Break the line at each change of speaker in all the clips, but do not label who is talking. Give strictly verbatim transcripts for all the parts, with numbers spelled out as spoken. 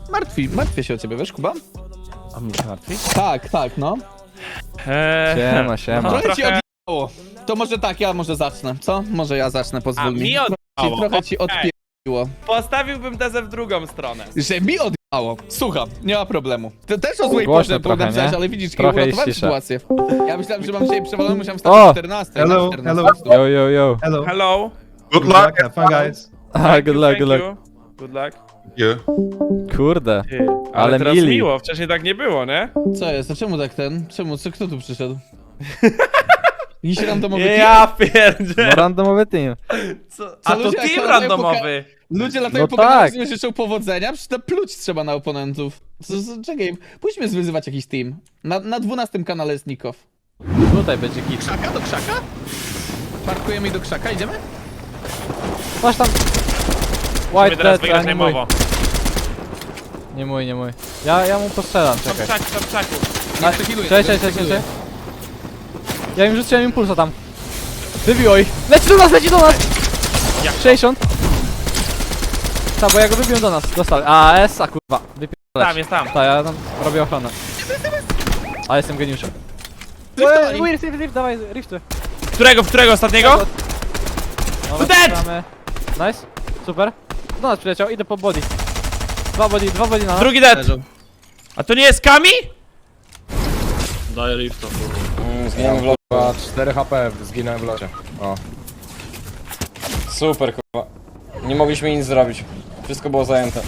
Martwi, martwię się o ciebie, wiesz, Kuba?
A mnie się martwi?
Tak, tak, no.
Eee, siema, siema.
Trochę
No,
ci odjebało. To może tak, ja może zacznę, co? Może ja zacznę, pozwól
A
mi.
mi
Trochę ci-
odjebało,
Trochę ci
okej.
odpierdoliło.
Postawiłbym tezę w drugą stronę.
Że mi odjebało. Słucham, nie ma problemu. To też o złej
Głośno
porze
trochę,
napisałeś,
nie?
ale widzisz,
Trochę
uratowałem
jest cisza.
sytuację. Ja myślałem, że mam dzisiaj przewalone, musiałem
O!
wstawić czternastej.
Hello,
na czternastej.
hello.
Yo, yo, yo.
Hello.
Hello.
Good luck. Have fun, guys.
Ah, good luck,
Thank
good luck.
you. Good luck.
Yeah.
Kurde.
Ty, ale,
Ale
teraz
mili.
miło, wcześniej tak nie było, nie?
Co jest? A czemu tak ten? Czemu? Co, kto tu przyszedł? Jakiś randomowy
Ja
No
pierdzie.
randomowy team.
Co? A to
ludzie
team
jak
randomowy.
Ludzie latają
No
po
tak.
kanału, życzą powodzenia, przecież to pluć trzeba na oponentów. Co, co, czekaj, pójdźmy zwyzywać jakiś team. Na, na dwunastym kanale jest Nikow.
Tutaj będzie git.
Krzaka do krzaka? Parkujemy i do krzaka, idziemy?
Masz tam.
Musimy
White
teraz
dead,
wygrać
a nie mój.
najmowo.
Nie mój, nie mój. Ja, ja mu postrzelam,
Tam
czekaj.
pszaku, tam pszaku.
A,
przekiluję,
Cześć,
nie
cześć, cześć,
przekiluję.
cześć. Ja im rzuciłem impulsa tam. Wybiło ich. Leci do nas, leci do nas!
Jak to?
sześćdziesiąt. Tak, bo ja go wybiłem do nas. Dostał. A, S, a kurwa. Wypierdalać.
Tam, jest tam.
Tak, ja tam robię ochronę. A jestem geniuszem.
Driftowali.
Ej, rift, rift, rift, dawaj, rifty.
Którego, w którego ostatniego?
Dobra,
dead!
strzelamy. Nice, super. Do nas przyleciał, idę po body. Dwa body, dwa body na nas.
Drugi dead.
Leżą.
A to nie jest Kami?
Daję lifta. Mm, zginąłem w locie. cztery H P zginąłem w locie. O. Super kurwa. Nie mogliśmy nic zrobić. Wszystko było zajęte.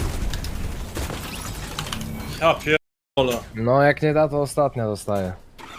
Ja pierdolę.
No jak nie da to ostatnia dostaje.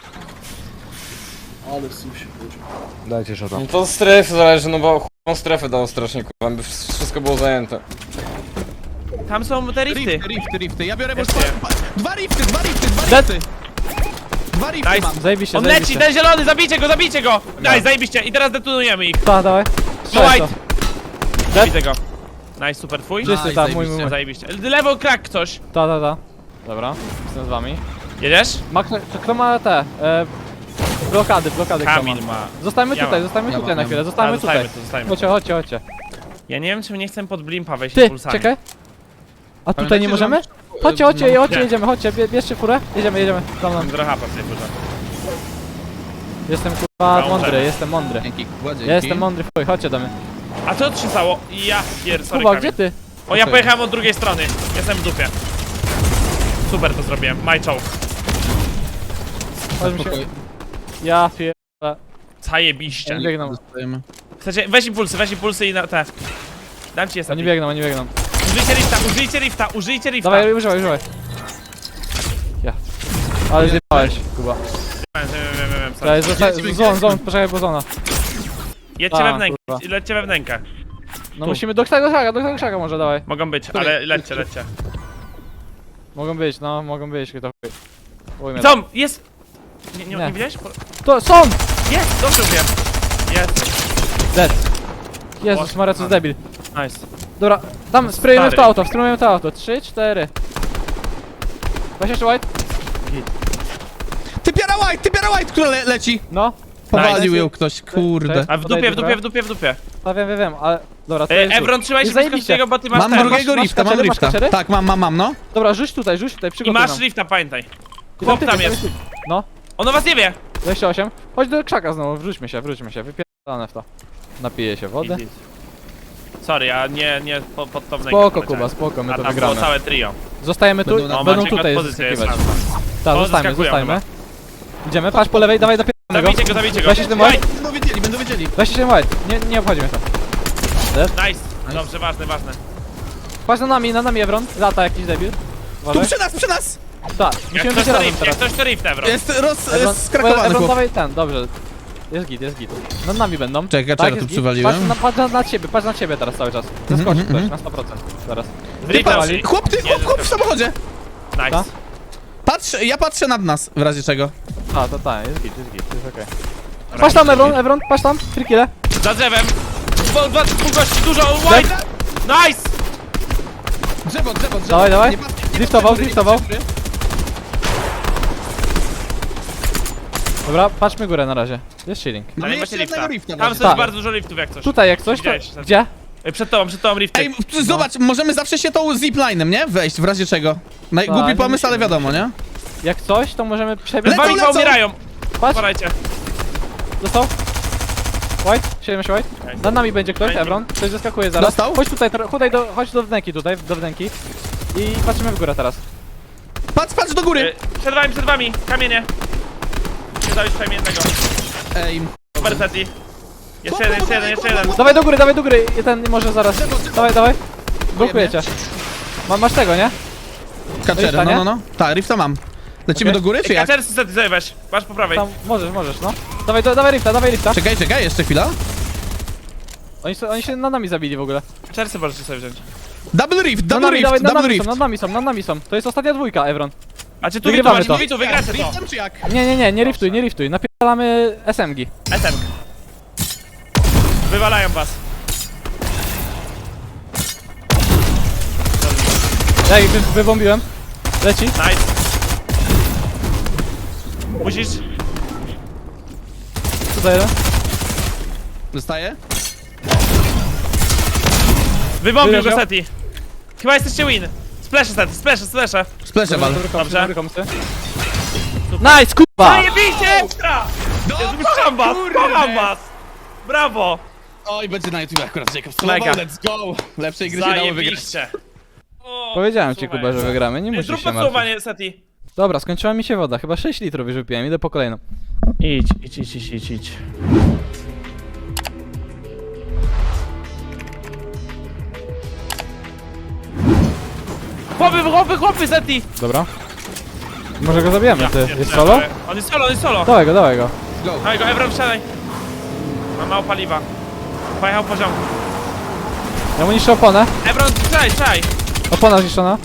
Ale w sum się wrócił.
Dajcie szota. No to strefy zależy, no bo chłopą strefę dało strasznie kurwa, by wszystko było zajęte.
Tam są te rifty.
Rifty, rifty, rifty. Ja biorę
Jeszcze.
bo Dwa rifty, dwa rifty, dwa
Dead.
rifty. Dwa rifty
Nice.
mam.
Zajebiście,
On leci,
zajebiście.
ten zielony, zabijcie go, zabijcie go! Daj, zajebiście. I teraz detonujemy ich.
Tak, dawaj.
No
Strzelaj
white.
to.
Zabijcie go. Nice, super, twój?
Czysty,
Nice,
tak, mój, mój, mój.
Zajebiście. Lewo krak ktoś.
Ta, ta, ta. Dobra, jestem z wami.
Jedziesz?
Ma kto, czy kto ma te, e, blokady, blokady kto ma?
Kamil ma.
Zostańmy
Ja
tutaj,
mam.
zostańmy
Ja
tutaj
mam,
na
ja
chwilę,
mam.
zostańmy
A,
tutaj.
zostajmy tu, zostajmy.
Chodźcie, chodźcie, chodźcie.
Ja nie wiem, czy nie chcę pod blimpa wejść
Ty,
impulsami.
czekaj. A tutaj
Pamiętajcie,
nie
że
możemy?
mam-
Chodźcie, chodźcie,
mam-
chodźcie,
Nie.
jedziemy, chodźcie, bie, bierzcie furę. Jedziemy, jedziemy. Tam nam.
Mam trochę hapa w tej furze.
Jestem kurwa
Dobra,
mądry,
możemy.
jestem mądry.
Dzięki, Kuba, dzięki.
Ja jestem mądry, chuj, chodźcie do mnie.
A co się stało? Ja pier... sorry,
Kuba,
Kamil.
gdzie ty?
O, ja
Okej.
pojechałem od drugiej strony. Jestem w dupie. Super to zrobiłem. My czołg.
Chodź mi się.
Spokojnie.
Ja pier...
Zajebiście.
Oni biegną,
Dostajemy.
Chcecie, weź impulsy, weź impulsy i na te. Dam ci jestem.
oni biegną, oni biegną.
Użyjcie rifta, użyjcie rifta, użyjcie rifta.
Dawaj, używaj, używaj. Ja. Ale zjebałeś, Kuba.
Wiem, wiem, wiem, wiem, sorry.
Daj, zostań,
Lecimy,
zon,
lecimy.
zon, poczekaj, bo zona.
Jedźcie
A,
we wnękę,
kurwa.
lećcie we wnękę.
No
Tu.
musimy do tego krzaka, do tego krzaka może, dawaj.
Mogą być,
Który?
ale lećcie, lećcie.
Mogą być, no, mogą być, to chuj. Ujmę.
Co? Jest! Nie, nie,
Nie.
nie widziałeś? Po-
To, są!
Jest! Dobrze wiem. Jest.
Dead. Jezus
O,
Maria, co
a.
debil.
Nice.
Dobra, tam sprayujemy w to
stary.
auto, sprayujemy w to auto. Trzy, cztery. Weź jeszcze white?
Ty piara white, ty piara white, która le leci.
No.
Powalił
Nice.
ją ktoś, kurde.
A w
Podaj
dupie, w
dupę.
dupie, w dupie, w dupie.
No wiem, wiem, wiem, ale... Dobra, to
E,
jest
Evron, trzymaj się
I
blisko
zajebiście.
swojego, bo ty masz
Mam
ten.
drugiego
masz
rifta, mam
kacery, masz
rifta.
kacery?
Tak, mam, mam, mam, no.
Dobra, rzuć tutaj, rzuć tutaj,
I
przygotuj
masz
nam.
rifta, pamiętaj.
I
Chłop
ty,
tam
ty,
jest.
ty. No,
On o was nie wie.
dwadzieścia osiem. Chodź do krzaka znowu, wróćmy się, wróćmy się, wypierdolone w to. Napiję się wody.
Sorry, ja nie, nie po, pod to wnękę
Spoko
poleciałem.
Kuba, spoko, my
A
to
tam było
wygramy.
całe trio.
Zostajemy tu,
Będą na-
No,
będą
macie
tutaj
pozycję, jest
zaskakiwać.
szansa.
Tak,
O,
zostajmy,
zaskakują
zostajmy. Idziemy, patrz po lewej, dawaj do pierwszego.
Zabijcie go, zabijcie go.
Weź się ten
Daj,
white.
Będą wiedzieli, będą wiedzieli.
Weźcie się white, nie, nie obchodzi mnie to.
Nice. Dobrze, ważne, ważne.
Patrz na nami, na nami Evron, lata jakiś debil.
Tu
Uważaj.
przy nas, przy nas.
Tak,
Jak
musimy
ktoś
być
to
razem
rift, jak
teraz.
ktoś to rift, Evron.
Jest roz...
Evron,
skrakowany
Evron,
chłop.
dawaj ten, dobrze. Jest git, jest git. Nad nami będą.
Czekaj,
Tak,
czekaj,
jest
tu
git.
przywaliłem.
Patrz na, patrz na, na ciebie, patrz na ciebie teraz cały czas. Zeskoczy
Mhm,
ktoś
mhm.
na sto procent. Zaraz.
Rifta,
Wali.
Chłop, ty, chłop, chłop w samochodzie.
Nice.
Ta?
Patrz, ja patrzę nad nas, w razie czego.
A, to tak, jest git, jest git, jest okej. Patrz tam Evron, Evron, patrz tam, frikile.
Za drzewem. Dwa, dwa, dwóch gości, dużo, white. Nice.
Drzewo, drzewo, drzewo.
Dawaj, dawaj.
Nie patrz- nie patrz
Driftował,
góry, nie
driftował.
patrz góry.
Dobra, patrzmy górę na razie. Jest shielding.
Mamy
Tam
jeszcze
macie
jednego
lifta.
rifta w
Tam
razie
są
Tak.
bardzo dużo liftów jak coś.
Tutaj jak coś, to...
Widziałeś,
Gdzie?
Ej, przed tobą, przed tobą rifty.
Ej, p- zobacz, możemy zawsze się tą ziplinem, nie? Wejść, w razie czego.
Tak,
Głupi
nie
pomysł, ale
musimy.
wiadomo, nie?
Jak coś, to możemy przebiec.
Przed wami
lecą, lecą.
poumierają.
Patrz,
Uważajcie.
dostał. White, siedem się White. Nad nami będzie ktoś,
Fajnie.
Evron. Ktoś zeskakuje zaraz.
Dostał?
Chodź tutaj, tro- chodź do, chodź do wnęki tutaj, do wnęki. I patrzymy w górę teraz.
Patrz, patrz do góry!
Ej, Przed wami, przed wami. Kamienie. Nie dałeś przynajmniej jednego.
Ej,
Super seti. Jeszcze jeden, jeszcze jeden, jeszcze jeden.
Dawaj do góry, dawaj do góry. I ten może zaraz. Dawaj, dawaj. Blokujecie. Ma, masz tego, nie?
K cztery,
Rifta,
no
nie?
no no. Tak, rifta mam. Lecimy
Okej.
do góry, czy
Ej,
jak?
kaczercy seti sobie weź. Masz po prawej.
Tam możesz, możesz, no. Dawaj, do, dawaj rifta, dawaj rifta.
Czekaj, czekaj, jeszcze chwila.
Oni, so- oni się nad nami zabili w ogóle.
Kaczercy możecie sobie wziąć.
Double rift,
Nad
double
nami, dawaj,
rift,
nad
double
nami
rift.
są, nad nami są, nad nami są. To jest ostatnia dwójka, Evron.
A czy tu, tu,
Wygrywamy
tu,
to.
tu, tu, wygracie to.
Riftem czy jak?
Nie, nie, nie, nie riftuj, nie riftuj. Napierdalamy S M G.
S M. Wywalają was.
Ja ich wy, wybombiłem. Leci.
Nice. Musisz...
Tutaj jeden.
Dostaję?
Wybombił go
Wyleciał.
seti. Chyba jesteście win. Splash seti, splash, splash.
Spleszę wal.
Dobrze.
Dobry komsy. Nice, kurwa!
Zajebiście ekstra! Jezu, kocham was, kocham was! Brawo!
Oj, będzie na YouTube akurat Jacob
Mega.
Mega. Let's go! Lepszej gry się dało wygrać.
Zajebiście! O,
Powiedziałem ci,
super.
Kuba, że wygramy, nie
Ej,
musisz
Zrób
się martwić.
podsumowanie seti.
Dobra, skończyła mi się woda, chyba sześć litrów już wypiłem, idę po kolejną.
Idź, idź, idź, idź, idź, idź. Chłopy, chłopy, chłopy, seti!
Dobra. Może go zabijemy, ty. Jest solo?
On jest solo, on jest solo.
Dawaj go, dawaj go.
Dawaj go, Evron, wsiadaj. Mam mało paliwa. Pojechał poziom.
Ja mu niszczę oponę.
Evron, strzelaj, strzelaj.
Opona zniszczona.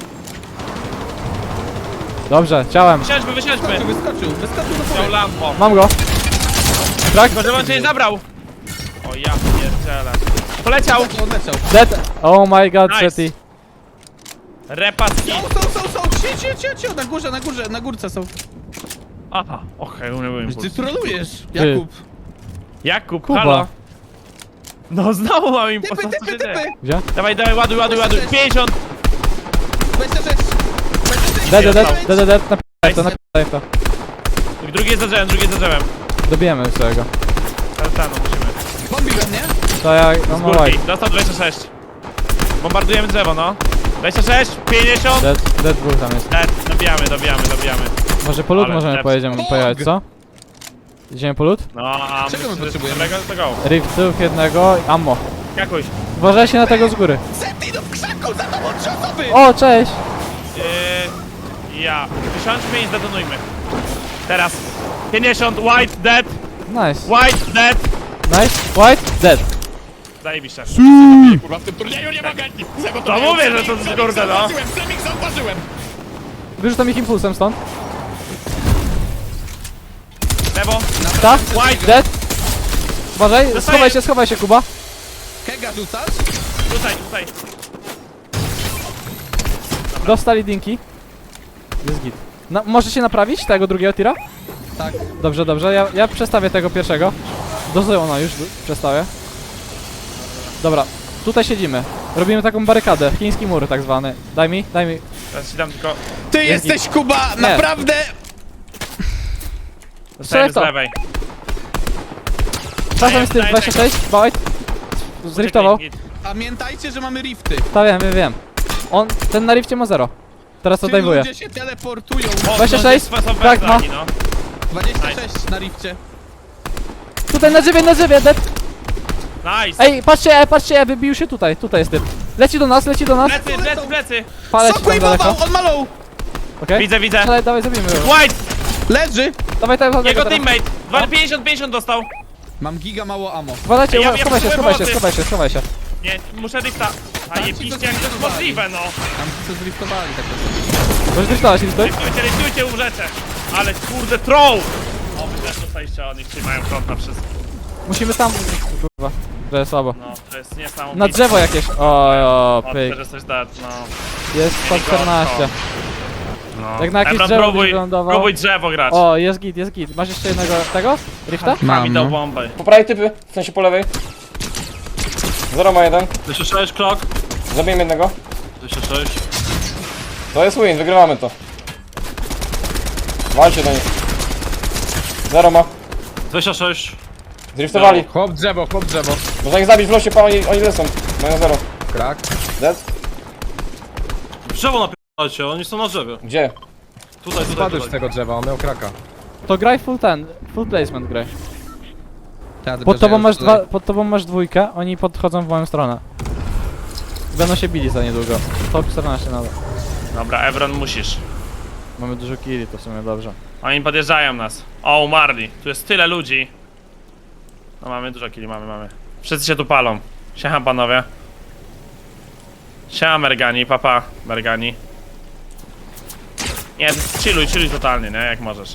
Dobrze, ciałem.
Wysiądźmy, wysiądźmy.
Wyskoczył, wyskoczył do
Miał
góry.
lampo.
Mam go. Tak?
Tylko, żeby on cię nie zabrał. O ja pierdzielę. Poleciał.
Odleciał.
Dead. Oh my god,
Nice.
Seti.
Repaski.
Są, są, są, są! Cio, cio, cio, cio, na górze, na górze, na górce są.
Aha, okej, okay, nie
Ty trolujesz, Jakub.
Jakub,
Kuba.
halo. No znowu mam im
Typy, typy, typy!
Gdzie?
Dawaj, dawaj, ładuj, ładuj, ładuj. pięćdziesiąt.
dwadzieścia sześć! dwadzieścia sześć!
Dead, dead, dead, dead, dead, dead. Napierdaj to, napierdaj to.
Drugi jest za drzewem, drugi jest za drzewem.
Dobijemy już całego.
Teraz tak, no musimy.
Bombiłem, nie?
To ja, no
Z
no
górki,
white.
dostał dwadzieścia sześć. Bombardujemy drzewo, no. dwadzieścia sześć, pięćdziesiąt.
Dead, dead dwóch tam jest.
Dead, dobijamy, dobijamy, dobijamy.
Może po lód
Ale
możemy
dead.
pojedziemy, pojechać, co? Idziemy po lód?
No, a
Czego my
myślę, że
potrzebujemy?
dobrego, to go.
Riftów jednego, ammo.
Jakoś.
Uważajcie na tego z góry.
Zepnij do w krzaku, za tobą trzy osoby!
O, cześć!
Yy, ja. Wysiądźmy i zdetonujmy. Teraz. pięćdziesiąt, white, dead.
Nice,
White, dead.
nice, white, dead.
Zajebiście.
Kurwa, w tym turnieju nie mogę!
To mówię, że to z kurde, no.
Zauważyłem, Semik zauważyłem!
Wyrzucam ich impulsem stąd.
Lewo.
Ta?
White.
Dead. Uważaj,
Dostaję.
schowaj się, schowaj się, Kuba.
Kega rzucasz?
Tutaj, tutaj.
Dostali dinki. Jest git. No, może się naprawić tego drugiego tira?
Tak.
Dobrze, dobrze, ja, ja przestawię tego pierwszego. Do Zeona już przestawię. Dobra, tutaj siedzimy. Robimy taką barykadę, chiński mur tak zwany. Daj mi, daj mi.
Teraz ci dam tylko...
Ty jesteś, Kuba, naprawdę...
Dostajemy z
to.
lewej.
Czasem jest typ
daj,
dwadzieścia sześć, White. Zriftował.
Git.
Pamiętajcie, że mamy rifty.
Ta wiem, wiem, wiem. On, ten na rifcie ma zero. Teraz
Ci
odejmuje.
ludzie się teleportują.
O,
dwadzieścia
no,
sześć,
są bez
tak, ma.
flagi, no.
dwadzieścia sześć na rifcie.
Tutaj na drzewie, na drzewie, dead.
Nice.
Ej, patrzcie, patrzcie, wybił się tutaj, tutaj jest typ. Leci do nas, leci do nas.
Plecy, plecy, plecy.
Paleć tam daleko.
Shockwave, on ma low!
Okej?
Widzę, widzę.
Strzelaj, dawaj, zabijmy go.
White.
Leży!
Dawaj, dawaj,
Jego
dawaj.
teammate. Dwa- pięćdziesiąt, pięćdziesiąt dostał.
Mam giga mało ammo.
Uważajcie,
Ja-
uwa-
ja
schowaj się,
potrzebuję
schowaj się,
pomocy.
schowaj się, schowaj się.
Nie, muszę drifta. A
Tam ci
jebiście,
to
jak to jest
zliftowali.
możliwe, no.
Tam co zriftowali tak naprawdę.
Możesz driftować, driftuj.
Liftujcie, liftujcie, umrzecie. Ale kurde, troll. O, wy też dostaliście od nich, czyli mają front na wszystko.
Musimy tam... Kurwa, że jest słabo.
No, to jest niesamowite.
Na drzewo jakieś. O, o,
O,
pyk.
też jesteś dead, no.
Jest sto czternaście.
no.
Jak na jakieś
Ebron,
drzewo
próbuj,
byś wylądował.
próbuj drzewo grać.
O, jest git, jest git. Masz jeszcze jednego tego? Rifta?
Mam,
Mam,
dał
no.
bombę.
Po prawej typy, w sensie po lewej. Zero ma jeden.
dwieście sześć, klok.
Zabiję jednego.
dwieście sześć.
To jest win, wygrywamy to. Walcie do nich. Zero ma.
dwieście sześć.
Zriftowali.
Chłop drzewo, chłop drzewo.
Można ich zabić w losie, pa, oni, oni lecą. Mają zero.
Krak.
Dead?
Drzewo napierdajcie, oni są na drzewie.
Gdzie?
Tutaj, tutaj,
Spadłeś z
tutaj.
tego drzewa, on miał kraka.
To graj full ten, full placement graj.
Ja tylko,
Pod
że
tobą
już
masz
tutaj-
dwa, pod tobą masz dwójkę, oni podchodzą w moją stronę. Będą się bili za niedługo. Top czternaście nadal.
Dobra, Evron musisz.
Mamy dużo killi, to w sumie dobrze.
Oni podjeżdżają nas. O, umarli. Tu jest tyle ludzi. No mamy dużo killi, mamy, mamy. Wszyscy się tu palą. Siema panowie. Siema Mergani, papa Mergani. Nie, chilluj, chilluj totalnie, nie? Jak możesz.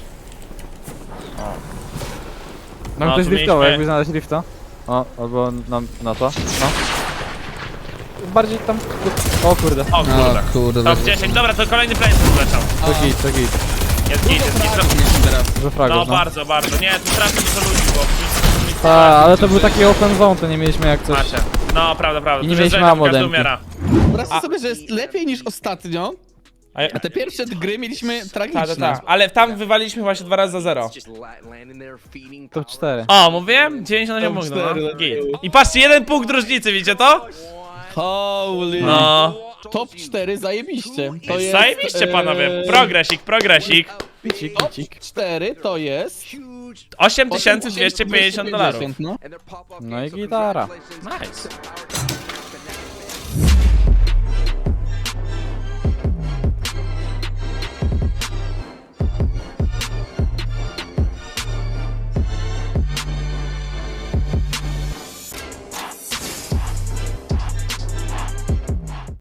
Mam
No,
ktoś
tu
driftował,
mieliśmy-
jakby znaleźć drifta. O, albo na, na to. No. Bardziej tam... O kurde.
O
O
kurde.
kurde.
Top dziesięć, dobra, to kolejny plane tu leciał.
To git, to git.
Jest git, jest git.
teraz.
Dużo
No
fragów, no.
bardzo, bardzo. Nie, tu strasznie dużo ludzi było.
Ta, ale to był taki open zone, to nie mieliśmy jak coś...
Macie. No, prawda, prawda.
I nie
Tu
mieliśmy
jest
ammo
każdy
demki.
umiera.
Wyobraźcie sobie, że jest lepiej niż ostatnio,
A ja-
a te pierwsze gry mieliśmy
Tak,
tragiczne.
tak, tak. Ale tam wywaliliśmy właśnie dwa razy za zero.
To cztery.
O, mówiłem? dziewięćdziesiąt osiem punktów,
cztery,
no. Git. I patrzcie, jeden punkt różnicy, widzicie to?
Holy.
No.
Top cztery zajebiście. To jest,
Zajebiście, panowie.
e,
Progresik, progresik.
Picik,
Top
picik.
cztery to jest...
osiem tysięcy dwieście pięćdziesiąt dolarów.
No.
No i gitara.
Nice.